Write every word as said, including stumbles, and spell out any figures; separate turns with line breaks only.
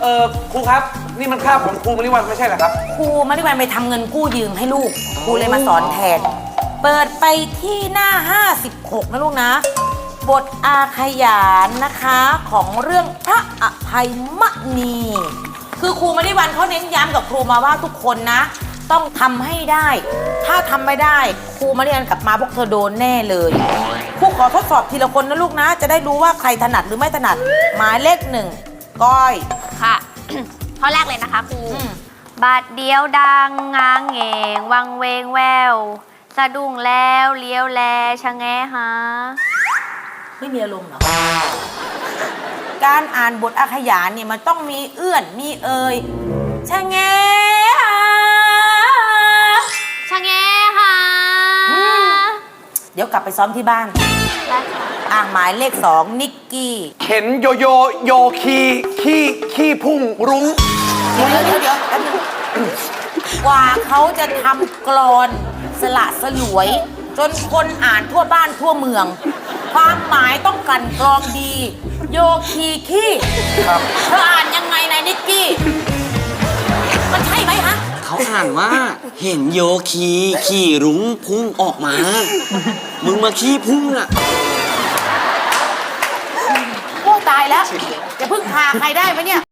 เออครูครับนี่มันคาบของครูมริวันไม่ใช่เหรอครับ
ครูมริวันไปทำเงินกู้ยืมให้ลูกครูเลยมาสอนแทนเปิดไปที่หน้าห้าสิบหกนะลูกนะบทอาขยานนะคะของเรื่องพระอภัยมณีคือครูมริวันเขาเน้นย้ำกับครูมาว่าทุกคนนะต้องทำให้ได้ถ้าทำไม่ได้ครูมริวันกลับมาพวกเธอโดนแน่เลยครูขอทดสอบทีละคนนะลูกนะจะได้รู้ว่าใครถนัดหรือไม่ถนัดหมายเลขหนึ่งก้อย
ค่ะ ข้อแรกเลยนะคะครูบาดเดียวดังง้างเหงวังเวงแววสะดุ้งแล้วเลี้ยวแลชะแงหา
ไม่มีอารมณ์เหรอการอ่านบทอาขยานเนี่ยมันต้องมีเอื้อนมีเอ่ยชะแงหา
ชะแงหา
เดี๋ยวกลับไปซ้อมที่บ้านอ่างหมายเลขสองนิกกี้
เข็นโยโยโยคีขี้ขี้พุ่งรุ้ง
เดี๋ยวเดี๋ยวเดี๋ยวเดี๋ยวกว่าเขาจะทำกลอนสละสลวยจนคนอ่านทั่วบ้านทั่วเมืองความหมายต้องกลั่นกรองดีโยคีขี้
ครับ
เธออ่านยังไงนายนิกกี้มันใช่ไหมฮะ
เขาอ่านว่าเห็นโยคีขี่รุ้งพุ่งออกมามึงมาขี้พุ่งอ่ะ
โอ้ตายแล้วจะพึ่งพาใครได้ไหมเนี่ย